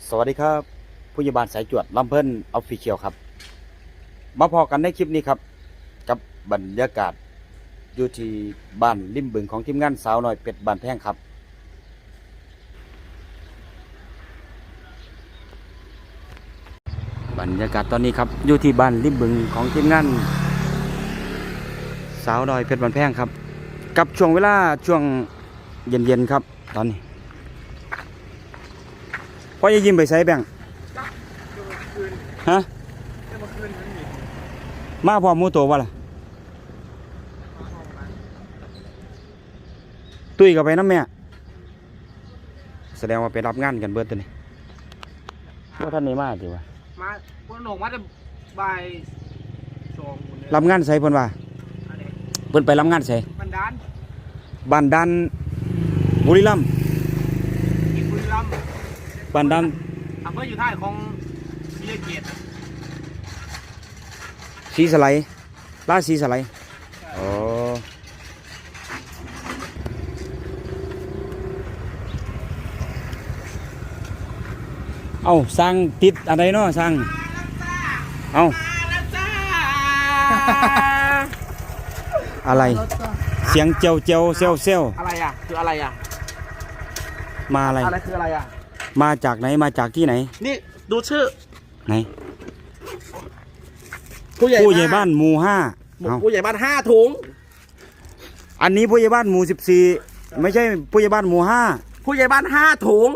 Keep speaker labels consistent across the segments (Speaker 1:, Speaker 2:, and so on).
Speaker 1: สวัสดีครับผู้ใหญ่บ้านสายจวดลำเพิ่นออฟฟิเชียลครับมาพอกันในคลิปนี้ครับกับบรรยากาศอยู่ที่บ้านริมบึงของทีมงานสาวน้อยเป็ดบ้านแพงครับบรรยากาศตอนนี้ครับอยู่ที่บ้านริมบึงของทีมงานสาวน้อยเป็ดบ้านแพงครับกับช่วงเวลาช่วงเย็นๆครับตอนนี้พ่อจะยิ้มไปใส่แบงฮะมาพร้อมหมูตัววะล่ะตุ้ยกับไปน้ำแม่แสดงว่าไปรับงานกันเบิดตัวนี้ว่าท่านนี้มาดีวะ
Speaker 2: มาคนหนกมาจะบ่ายสอง
Speaker 1: รับงานใส่เพิ่นว่าเพิ่นไปรับงานใส่
Speaker 2: บันดาล
Speaker 1: บ้านดันบุรีรัมย์
Speaker 2: กินบุรีรัมย์
Speaker 1: บ้านดัน
Speaker 2: อำเภออยู่ท้ายของวิทยาเกียรติ
Speaker 1: สีสไลด์ลาดสีสไลด์อ๋อเอาสร้างติดอะไรเนาะสร้างเอาอะไรเสียงเจียวเจียวเซลเซล
Speaker 2: อะไรอ่ะคืออะไรอ่ะ
Speaker 1: มาอะไร
Speaker 2: อะไรคืออะไรอ่ะ
Speaker 1: มาจากไหนมาจากที่ไหน
Speaker 2: นี่ดูชื่อ
Speaker 1: ไหน
Speaker 2: ผู้ใหญ่
Speaker 1: บ้านหมู่ห้า
Speaker 2: ผู้ใหญ่บ้าน5 ถุง
Speaker 1: อันนี้ผู้ใหญ่บ้านหมู่14ไม่ใช่ผู้ใหญ่บ้านหมู่ห้า
Speaker 2: ผู้ใหญ่บ้าน5 ถุง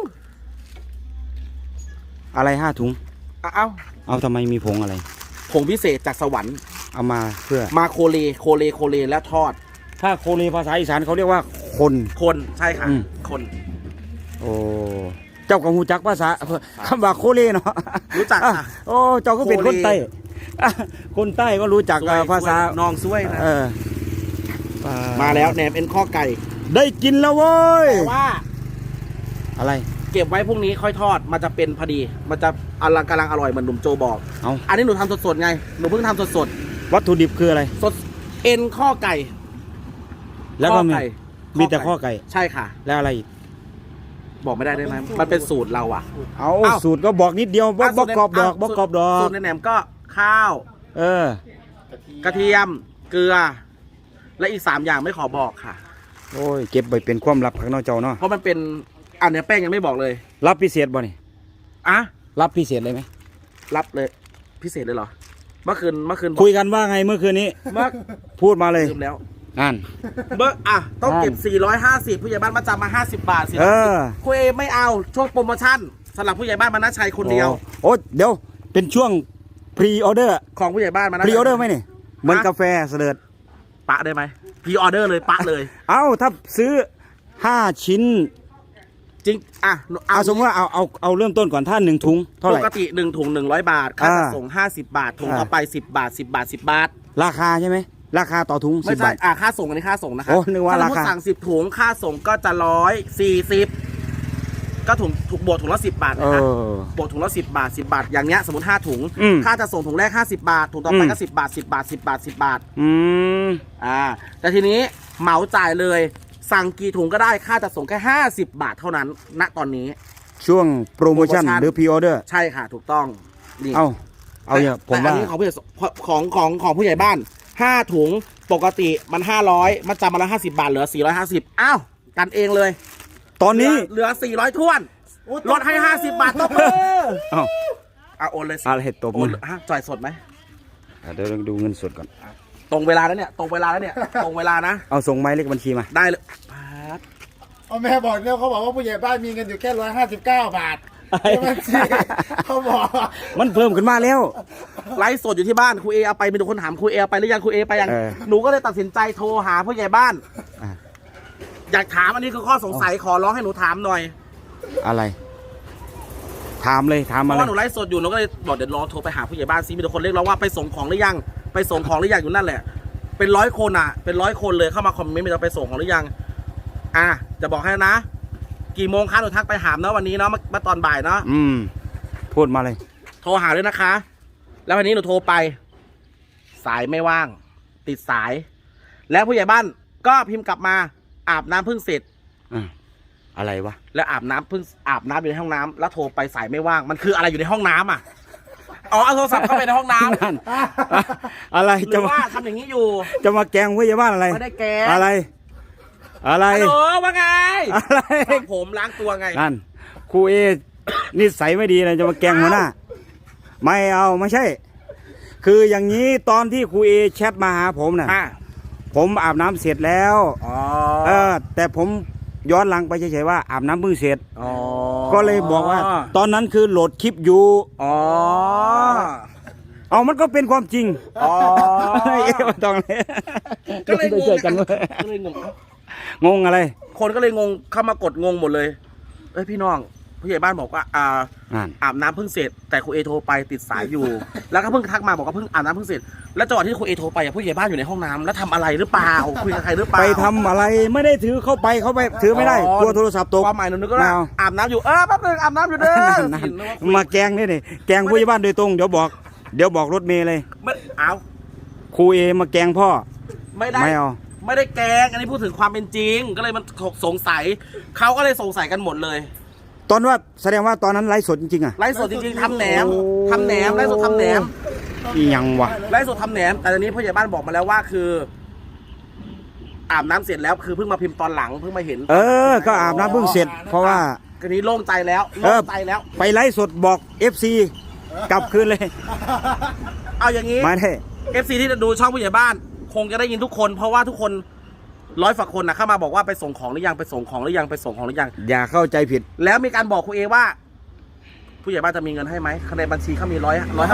Speaker 1: อะไร5 ถุงเอาทำไมมีผงอะไร
Speaker 2: ผงพิเศษจากสวรรค์
Speaker 1: เอามาเพื่อ
Speaker 2: มาโคเลแล้วทอด
Speaker 1: ถ้าโคเลภาษาอีสานเขาเรียกว่าคน
Speaker 2: ใช่ค่ะคน
Speaker 1: โอ้เจ้ากับหูจักภาษาคำว่าโคเลเนาะ
Speaker 2: รู้จักค่ะ
Speaker 1: โอ้เจ้าก็เป็นคนใต้คนใต้ก็รู้จักภาษา
Speaker 2: น้องช่วยนะมาแล้วแหนมเอ็นข้อไก่
Speaker 1: ได้กินแล้วเว้ย
Speaker 2: แต่ว่า
Speaker 1: อะไร
Speaker 2: เก็บไว้พรุ่งนี้ค่อยทอดมันจะเป็นพอดีมันจะกำลังอร่อยเหมือนหนุ่มโจบอกอันนี้หนูทำสดๆไงหนูเพิ่งทำสด
Speaker 1: วัตถุดิบคืออะไร
Speaker 2: สดเอ็นข้อไก่
Speaker 1: แล้วก็มีแต่ข้อไก่
Speaker 2: ใช่ค่ะ
Speaker 1: แล้วอะไรอีก
Speaker 2: บอกไม่ได้ไหมมันเป็นสูตรเราอ่ะ
Speaker 1: เอาสูตรก็บอกนิดเดียวบอกกรอบดอก
Speaker 2: สูตรในแหนมก็ข้าวกระเทียมเกลือและอีก3 อย่างไม่ขอบอกค่ะ
Speaker 1: โอ้ยเก็บไปเป็นความลับข้างนอกเจ้าเนาะ
Speaker 2: เพราะมันเป็นอันนี้แป้งยังไม่บอกเลย
Speaker 1: รับพิเศษบ่นี่รับพิเศษเลยไหม
Speaker 2: รับเลยพิเศษเลยเหรอเมื่อคืน
Speaker 1: คุยกันว่าไงเมื่อคืนนี้พูดมาเลย
Speaker 2: ลืมแล้วต้องเก็บ450ผู้ใหญ่บ้านมาจำมา50 บาทสิคุยไม่เอาช่วงโปรโมชั่นสำหรับผู้ใหญ่บ้านมานะชัยคนเดียว
Speaker 1: โอ้เดี๋ยวเป็นช่วงพรีออเดอร์
Speaker 2: ของผู้ใหญ่บ้านมานะ
Speaker 1: พรีออเดอร์ไหมนี่เหมือนกาแฟเสด็จ
Speaker 2: ปะได้ไหมพรีออเดอร์เลยปะเลย
Speaker 1: ถ้าซื้อ5 ชิ้น
Speaker 2: จริง
Speaker 1: สมมติว่าเอาเริ่มต้นก่อนถ้า1 ถุงเท่าไหร่
Speaker 2: ปกติ1 ถุง100 บาทค่าจัดส่ง50 บาทถุงต่อไป10 บาท10 บาท10 บาท
Speaker 1: ราคาใช่ไหมราคาต่อถุง
Speaker 2: ไม่ใช่ค่าส่งอันนี้ค่าส่งนะครับ
Speaker 1: นึกว่าราคา
Speaker 2: สั่ง10 ถุงค่าส่งก็จะ140ก็ถุงบวกถุงละ10 บาทนะครับบวกถุงละ10 บาท10 บาทอย่างเนี้ยสมมติ5 ถุงค่าจะส่งถุงแรก50 บาทถุงต่อไปก็10 บาท10 บาท10 บาท10 บาทแต่ทีนี้เหมาจ่ายเลยสั่งกี่ถุงก็ได้ค่าจะส่งแค่50 บาทเท่านั้นณตอนนี้
Speaker 1: ช่วงโปรโมชั่นหรือพรีออเดอร์
Speaker 2: ใช่ค่ะถูกต้อง
Speaker 1: นี่เอาเนี่ยผมว่า
Speaker 2: อันนี้ของผู้ใหญ่บ้าน5 ถุงปกติมัน500มันจำมาละ50 บาทเหลือ450กันเองเลย
Speaker 1: ตอนนี้
Speaker 2: เหลือ400ท้วนลดให้50 บาทตบมือโอนเลย
Speaker 1: อะไรตบมือ
Speaker 2: จ่ายสดไหม
Speaker 1: เดี๋ยวดูเงินสดก่อน
Speaker 2: ตรงเวลาแล้วเนี่ยตรงเวลานะ
Speaker 1: เอาส่งไม้เลขบัญชีมา
Speaker 2: ได้เลย
Speaker 3: แม่บอกเนี่ยเขาบอกว่าผู้ใหญ่บ้านมีเงินอยู่แค่159 บาทเขาบอก
Speaker 1: มันเพิ่มขึ้นมาแล้ว
Speaker 2: ไลฟ์สดอยู่ที่บ้านครูเอเอาไปมีคนถามครูเอไปหรือยังครูเอไปยังหนูก็เลยตัดสินใจโทรหาผู้ใหญ่บ้านอยากถามอันนี้คือข้อสงสัยขอร้องให้หนูถามหน่อย
Speaker 1: อะไรถามเลยถามมาเลย
Speaker 2: เพราะหนูไลฟ์สดอยู่หนูก็เลยบอกเดี๋ยวรอโทรไปหาผู้ใหญ่บ้านซิมีคนเรียกร้องว่าไปส่งของหรือยังไปส่งของหรือยังอยู่นั่นแหละเป็น100 คนเป็น100 คนเลยเข้ามาคอมเมนต์จะไปส่งของหรือยังจะบอกให้นะกี่โมงคะหนูทักไปหามนะวันนี้เนาะมาตอนบ่ายเนาะ
Speaker 1: พูดมาเลย
Speaker 2: โทรหาด้วยนะคะแล้ววันนี้หนูโทรไปสายไม่ว่างติดสายแล้วผู้ใหญ่บ้านก็พิมพ์กลับมาอาบน้ำเพิ่งเสร็จ
Speaker 1: อะไรวะ
Speaker 2: แล้วอาบน้ำเพิ่งอาบน้ำอยู่ในห้องน้ำแล้วโทรไปสายไม่ว่าง มันคืออะไรอยู่ในห้องน้ำอ่ะอ๋อเอาโทรศัพท์เข้าไปในห้องน้ำ
Speaker 1: นั่นอะไร
Speaker 2: หรื
Speaker 1: จะ
Speaker 2: อ
Speaker 1: มา
Speaker 2: ว่าทำอย่างนี้อยู่
Speaker 1: จะมาแกล้งพยาบาลอะไร
Speaker 2: ไม่ได้แกล้ง
Speaker 1: อะไร อะไร
Speaker 2: ฮัลโหลว่าไง
Speaker 1: อะไร
Speaker 2: สระผมล้างตัวไง
Speaker 1: นั่นครูเอนิสัยไม่ดีนะจะมาแกล้งหัวหน้า ไม่เอาไม่ใช่ คืออย่างนี้ตอนที่ครูเอแชทมาหาผมน่ะ
Speaker 2: อ่ะ
Speaker 1: ผมอาบน้ำเสร็จแล้ว
Speaker 2: อ๋อ
Speaker 1: แต่ผมย้อนหลังไปเฉยๆว่าอาบน้ำเพิ่งเสร็จ
Speaker 2: อ๋อ
Speaker 1: ก็เลยบอกว่า ตอนนั้นคือโหลดคลิปอยู่
Speaker 2: อ๋อ
Speaker 1: เอามันก็เป็นความจริง
Speaker 2: อ๋อ
Speaker 1: เอ๊ะไม่ต้องเลย
Speaker 2: ก็เลยงง
Speaker 1: เจอกันเว้ย
Speaker 2: ก็เลยงง
Speaker 1: งงอะไร
Speaker 2: คนก็เลยงงเข้ามากดงงหมดเลยเอ้ยพี่น้องผู้ใหญ่บ้านบอกว่า
Speaker 1: นั่น
Speaker 2: อาบน้ำเพิ่งเสร็จแต่ครูเอโทรไปติดสายอยู่ แล้วก็เพิ่งทักมาบอกว่าเพิ่งอาบน้ำเพิ่งเสร็จแล้วจังหวะที่ครูเอโทรไปผู้ใหญ่บ้านอยู่ในห้องน้ำแล้วทำอะไรหรือเปล่าคุยกับใครหรือเปล่า
Speaker 1: ไปทำอะไรไม่ได้ถือเข้าไปถือไม่ได้
Speaker 2: อ๋อ
Speaker 1: กลัวโทรศัพท์ตก
Speaker 2: ความหมายหนูนึกว่า
Speaker 1: ไม่เอา
Speaker 2: อาบน้ำอยู่แป๊บนึงอาบน้ำอยู่เด้อ
Speaker 1: นั่น
Speaker 2: สินึกว่าคุย
Speaker 1: มาแกล้งนี่แกล้งผู้ใหญ่บ้านโดยตรงเดี๋ยวบอกรถเมย์เลย
Speaker 2: ไม่เอา
Speaker 1: ครูเอมาแกล้งพ่อ
Speaker 2: ไม่ได้
Speaker 1: ไม่เอา
Speaker 2: ไม่ได้แกล้งอันนี้พูดถึงความเป็นจริง ก็เลยมันสงสัยเขาก็เลยสงสัยกันหมดเลย
Speaker 1: ตอนว่าแสดงว่าตอนนั้นไลฟ์สดจริงๆอ่ะ
Speaker 2: ไลฟ์สดจริงๆทำแหนมทำแหนมไลฟ์สดทำแหนม
Speaker 1: อีหยังวะ
Speaker 2: ไลฟ์สดทำแหนมแต่ตอนนี้ผู้ใหญ่บ้านบอกมาแล้วว่าคือ อาบน้ำเสร็จแล้วคือเพิ่งมาพิมพ์ตอนหลังเพิ่งมาเห็น
Speaker 1: ก็อาบน้ำเพิ่งเสร็จ เพราะว่า
Speaker 2: ทีนี้โล่งใจแล้วโล่งใจแล้ว
Speaker 1: ไปไลฟ์สดบอก FC กลับคืนเลย
Speaker 2: เอาอย่างนี้
Speaker 1: มาได้
Speaker 2: FC ที่จะดูช่องผู้ใหญ่บ้าน คงจะได้ยินทุกคนเพราะว่าทุกคน100 ฝากคนนะเข้ามาบอกว่าไปส่งของหรือยังไปส่งของหรือยังไปส่งของหรือยัง
Speaker 1: อย่าเข้าใจผิด
Speaker 2: แล้วมีการบอกครูเอว่า ผู้ใหญ่บ้านจะมีเงินให้ไหมในบัญชีเขามี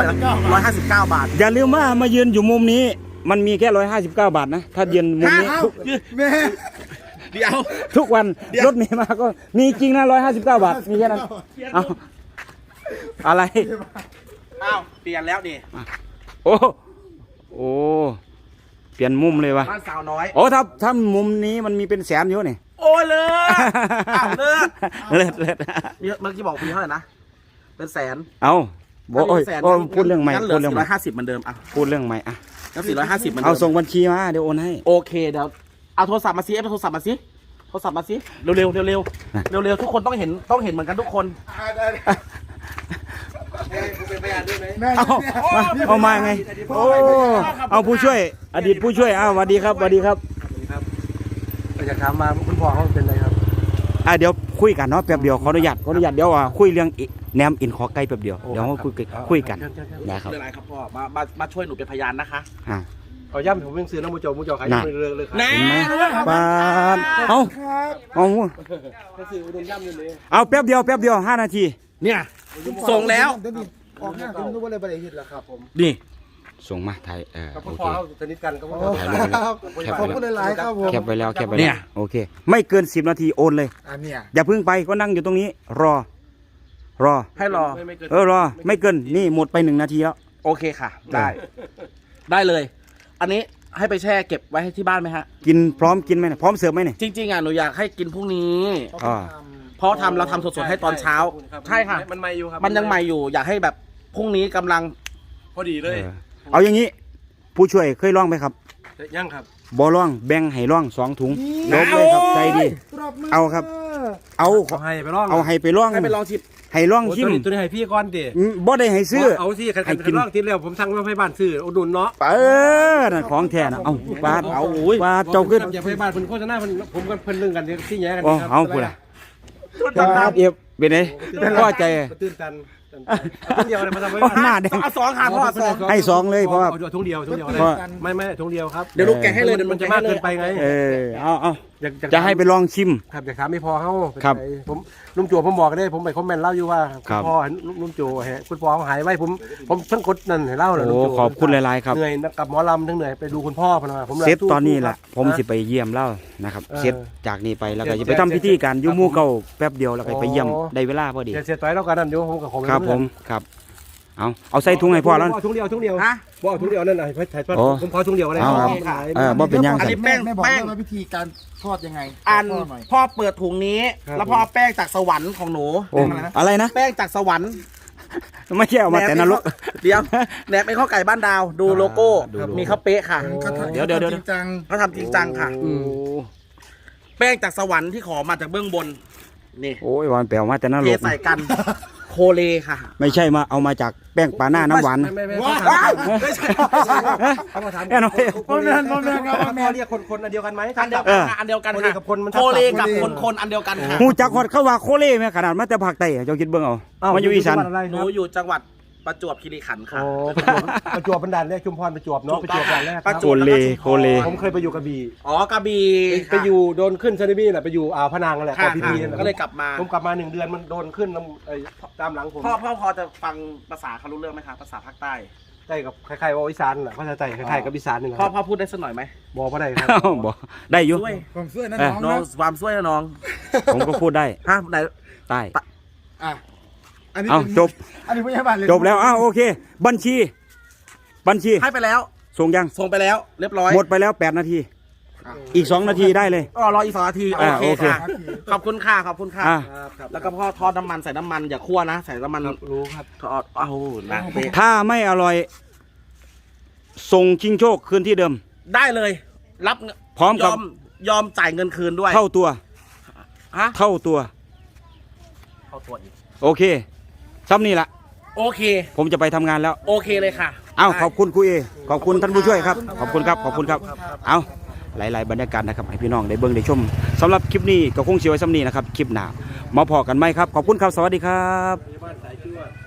Speaker 2: 159 บาท
Speaker 1: อย่าลืมว่ามายืนอยู่มุมนี้ มันมีแค่159 บาทนะ ถ้ายืนมุมนี้
Speaker 2: ฮะ
Speaker 3: แม่
Speaker 2: เดี๋ยว
Speaker 1: ทุกวัน
Speaker 2: เดี๋ยว
Speaker 1: รถเมล์มาก็มีจริงนะ159 บาท มีแค่นั้นเอาอะไร
Speaker 2: อ้าวเปลี่ยนแล้วดิ
Speaker 1: โอ้เปลี่ยนมุมเลยวะ
Speaker 2: บ้านสาวน้อย
Speaker 1: โอ้ถ้ามุมนี้มันมีเป็นแสนอยู่นี่
Speaker 2: โอ้ยเลิศอ้าวเลิศ
Speaker 1: เลิศ
Speaker 2: เมื่อกี้บอกปีเท่าไหร่นะเป็นแสน
Speaker 1: เอาบอกโอ้ย
Speaker 2: แสน
Speaker 1: โอ้ยพูดเรื่องใหม่
Speaker 2: งั้นเหลื
Speaker 1: พู
Speaker 2: อ
Speaker 1: ดเรื่องใหม่
Speaker 2: 450เหมือนเดิมอ่ะ
Speaker 1: พูดเรื่องใหม่อ่ะ
Speaker 2: งั้น450เหมือนเดิ
Speaker 1: เอา
Speaker 2: ม
Speaker 1: ส่งบัญชีมาเดี๋ยวโอนให้
Speaker 2: โอเคเดี๋ยวเอาโทรศัพท์มาซิเอาโทรศัพท์มาซิโทรศัพท์มาซิเร็วเร็วเร็วเร็วเร็วเร็วทุกคนต้องเห็นเหมือนกันทุกคน
Speaker 3: แม่
Speaker 1: เอามาไงโอ้เอาผู้ช่วย อดีตผู้ช่วยสวัสดีครับสวัสดีครับ
Speaker 4: อยากถามมาคุณพ่อเขาเป็นอะไรครับ
Speaker 1: เดี๋ยวคุยกันเนาะแป๊บเดียวขออนุญาตเดี๋ยวคุยเรื่องแหนมอินขอไก่แป๊บเดียวเดี๋ยวเราคุยกันนะครับ
Speaker 2: เรื่องอะไรครับพ่อมาช่วยหนูเป็นพยานนะคะ
Speaker 4: เอาย่ำผมยังซื้อน้ำมูจอขาย
Speaker 1: น่ะ
Speaker 4: เรื่องเลยครับ
Speaker 2: แน่
Speaker 1: เห็นไหมปาดเอาเอา
Speaker 4: ซื้ออุดมย่ำนี่เลย
Speaker 1: เอาแป๊บเดียว5 นาที
Speaker 2: เนี่ยส่งแล้ว
Speaker 3: เดี๋ยวนี้ออกหน้าคุณรู้ว่าอะไรประเดี๋ยวแล้วครับผม
Speaker 2: นี่
Speaker 1: ส่งมาไทย
Speaker 4: กับ
Speaker 1: โอ
Speaker 4: พ่อ
Speaker 1: เค
Speaker 4: เขาสนิทกันกับพ่อ
Speaker 1: ถ่ายรูป
Speaker 3: ขอบคุณหลายๆครับผม
Speaker 1: แคปไว้แล้วโอเค ไม่เกิน10 นาทีโอนเลย
Speaker 3: อันเนี้ย
Speaker 1: อย่าเพิ่งไปก็นั่งอยู่ตรงนี้ รอ
Speaker 2: ให้รอ
Speaker 1: รอไม่เกินนี่หมดไป1 นาทีแล้ว
Speaker 2: โอเคค่ะ ได้เลย อันนี้ให้ไปแช่เก็บไว้ให้ที่บ้านไหมฮะ
Speaker 1: กินพร้อมกินไหมเนี่ยพร้อมเสิร์ฟไหมเนี่ย
Speaker 2: จริงๆอ่ะหนูอยากให้กินพรุ่งนี้
Speaker 1: อ่า
Speaker 2: เพราะเราทำสดๆให้ตอนเช้า ใช่ค่ะ
Speaker 4: มันใหม่อยู่ครับ
Speaker 2: มันยังใหม่อยู่ อยากให้แบบพรุ่งนี้กำลัง
Speaker 4: พอดีเลย
Speaker 1: เอาอย่างนี้ ผู้ช่วยเคยลองไหมครับ
Speaker 4: ยังครับ
Speaker 1: บ่ลองแบ่งให้ลอง2 ถุงลบเลยครับใจดี เอาครับ เอา
Speaker 4: เขาให้ไปลอง
Speaker 1: เอาให้ไปลอง
Speaker 2: ให้ไปลองชิม
Speaker 1: ให้ลองชิม
Speaker 4: ตัวนี้ให้พี่ก่อนดิ
Speaker 1: บ่ได้ให้ซื้อ
Speaker 4: เอาสิขัน
Speaker 1: ให้กิน
Speaker 4: ลองติดแล้วผมสั่งมาให้บ้านซื้ออุดหนุนเนาะ
Speaker 1: นั่นของแท้นะเอาปาด
Speaker 2: เอาอุ้ย
Speaker 1: ปาดเจ้าขึ้น
Speaker 4: อย่าไปบ้านเพิ่นโฆษณาเพิ่นผมกันเพิ่นเรื่องกันที่แย่กัน
Speaker 1: โอ้เอาพูดละปาดเอฟเป็นไงพ่อใจ
Speaker 4: ตื่นตันคนเดียวเลยมาทำไว้
Speaker 1: หน้าแดง
Speaker 2: เอาสองค่ะพ่อสอง
Speaker 1: ให้2เลยเพราะว่า
Speaker 4: เอาถุงเดียวเลย
Speaker 1: เพราะ
Speaker 4: ไม่ถุงเดียวครับ
Speaker 2: เดี๋ยวลูกแกะให้เลยเดี๋ยว
Speaker 4: มันจะมากเกินไปไง
Speaker 1: เอา
Speaker 4: อยาก
Speaker 1: จะให้ไปลองชิม
Speaker 4: ครับอยากถามไม่พอเขา
Speaker 1: ครับ
Speaker 4: ผมลุงจั่วผมบอกได้ผมไปคอมเมนต์เล่าอยู่ว่า
Speaker 1: ครับ
Speaker 4: พ่อลุงจั่วคุณพ่อเขาหายไว้ผมเพิ่งกดนั่นให้เล่าเลย
Speaker 1: โอ้ขอบคุณหลายๆครับ
Speaker 4: เหนื่อยกับหมอลำทั้งเหนื่อยไปดูคุณพ่อพนะผม
Speaker 1: เซตตอนนี้แหละผมสิไปเยี่ยมเล่านะครับเซตจากนี้ไปแล้วก็จะไปทำพิธีการยุ่มู่เก่าแป๊บเดียวแล้วก็ไปเยี่ยมได้เวลาพอดี
Speaker 4: เสียต่อยแล้วกันนั่นเดี๋ยวผมกับผม
Speaker 1: ครับผมครับเอาใส่ถุงให้พ่อแล้ว
Speaker 4: ถุงเดียว
Speaker 2: ฮะ
Speaker 4: พ่อถุงเดียวนั่นไอ้ถ่ายทอด
Speaker 1: โอ้
Speaker 4: ผมพอถุงเดียวเลย
Speaker 1: เอาครับบ่เป็นหยัง
Speaker 2: อันนี้แป้ง
Speaker 3: แม่บอก
Speaker 2: แป้ง
Speaker 3: ว่าวิธีการทอดยังไง
Speaker 2: อัน
Speaker 3: ทอดหน่อย
Speaker 2: พ่อเปิดถุงนี้ แล้วพ่อเอาแป้งจากสวรรค์ของหนู
Speaker 1: โอ้อะไรนะ
Speaker 2: แป้งจากสวรรค์
Speaker 1: ไม่ใช่เอามาแต่นรก
Speaker 2: เดี๋ยวแหนบเป็นข้าวไก่บ้านดาวดูโลโก้
Speaker 1: ดูโลโก้
Speaker 2: มีข้าวเป๊ะค่ะ
Speaker 1: เดี๋ยว
Speaker 3: จริงจัง
Speaker 2: เขาทำจริงจังค่ะ
Speaker 1: โอ้
Speaker 2: แป้งจากสวรรค์ที่ขอมาจากเบื้องบนนี่
Speaker 1: โอ้ยวันแปลวมาแต่นั่น
Speaker 2: เท
Speaker 1: ลก
Speaker 2: ใส่กันโคเลค่ะ
Speaker 1: ไม่ใช่มาเอามาจากแป้งปลาหน้าน้ำหวานนะ
Speaker 4: ไม่
Speaker 3: ว้า
Speaker 2: ไม่ใช่
Speaker 4: เขามาถาม
Speaker 1: แน่นอน
Speaker 3: พ่อแม่พ่อแม่ครับพ่อแม่
Speaker 4: เขาเรียกคนอันเดียวกันไหม
Speaker 2: อันเดียวกันค่ะอันเดียวกันค่ะ
Speaker 4: โคเลกับคนมัน
Speaker 2: โคเลกับ
Speaker 3: โคเล
Speaker 2: คนอันเดียวกันค่ะ
Speaker 1: หูจักฮอดเข้าว่าโคเล่แม่ขนาดมาแต่ภาคใต้เจ้าคิดเบิ่งเอามาอยู่อีสาน
Speaker 2: หนูอยู่จังหวัดประจวบคีรีขันธ์ค่ะ
Speaker 4: โอ้ประจวบบันดาลแรกชุมพรประจวบเนาะประจวบบันดาลแรก
Speaker 2: ประจ
Speaker 1: โคว
Speaker 2: บ
Speaker 1: เล่โคเล่
Speaker 4: ผมเคยไปอยู่กระบี่
Speaker 2: อ๋อกระบี่
Speaker 4: ไปอยู่โดนขึ้นเซนติบี้แหละไปอยู่อ่าวพะนังนั่นแหละ
Speaker 2: ค่ะ
Speaker 4: กับพี
Speaker 2: ค่ะก็เลยกลับมา
Speaker 4: ผมกลับมา1 เดือนมันโดนขึ้นตามหลังผม
Speaker 2: พ่อพอจะฟังภาษาเขารู้เรื่องไหมคะภาษาภาคใต้
Speaker 4: ใช่กับคล้ายๆว่าอีสานแหละเขาจะใจคล้ายๆกับอีสานนี่แหละ
Speaker 2: พ่อพูดได้สักหน่อยไหม
Speaker 4: บอกมาได้ครับ
Speaker 1: เอ้าบ่ได้อยู่
Speaker 2: ช่วย
Speaker 3: ผมช่วยนะ
Speaker 1: เออ
Speaker 3: น้อง
Speaker 2: น้อง
Speaker 3: นะ
Speaker 2: ความช่วยนะน้อง
Speaker 1: ผมก็พูดได้
Speaker 2: ฮะไหน
Speaker 1: ใต้
Speaker 3: อ่ะอันนี้
Speaker 1: เอ้า
Speaker 3: เป็น
Speaker 1: จบ
Speaker 3: อันนี้ผู้ใหญ่บ้านเลย
Speaker 1: จบแล้วอ้าวโอเค บัญชี
Speaker 2: ให้ไปแล้ว
Speaker 1: ส่งยัง
Speaker 2: ส่งไปแล้วเรียบร้อย
Speaker 1: หมดไปแล้ว8 นาที อีก 2 นาทีได้เลย
Speaker 2: อ๋อรออีก2 นาทีโอ
Speaker 1: อ่า
Speaker 2: เค
Speaker 1: โอเค
Speaker 2: ค่ะขอบคุณค่ะขอบคุณค่ะ
Speaker 1: อ่ะ
Speaker 4: ครับ
Speaker 2: แล้วก็พ่อทอดน้ำมันใส่น้ำมันอย่าคั่วนะใส่น้ำมัน
Speaker 4: รู้ครับ
Speaker 2: ทอดอ้าวนะเป๊ะ
Speaker 1: ถ้าไม่อร่อย ส่งชิงโชคคืนที่เดิม
Speaker 2: ได้เลยรับเงิน
Speaker 1: พร้อมกับ
Speaker 2: ยอมจ่ายเงินคืนด้วย
Speaker 1: เท่าตัว
Speaker 2: ฮะ
Speaker 1: เท่าตัว
Speaker 2: เข้าตัวอีก
Speaker 1: โอเคซ้ำนี่ละ
Speaker 2: โอเค
Speaker 1: ผมจะไปทำงานแล้ว
Speaker 2: โอเคเลยค่ะ
Speaker 1: เอ้าขอบคุณครูเอขอบคุณท่านผู้ช่วยครับ ขอบคุณครับ ขอบคุณครับ เอาหลาย ๆ บรรยากาศนะครับให้พี่น้องได้เบิ่งได้ชมสำหรับคลิปนี้ก็คงเสียไว้ซ้ำนี้นะครับ คลิปหน้ามาพอกันไหมครับ ขอบคุณครับ สวัสดีครับ
Speaker 4: บ้านสายชั่ว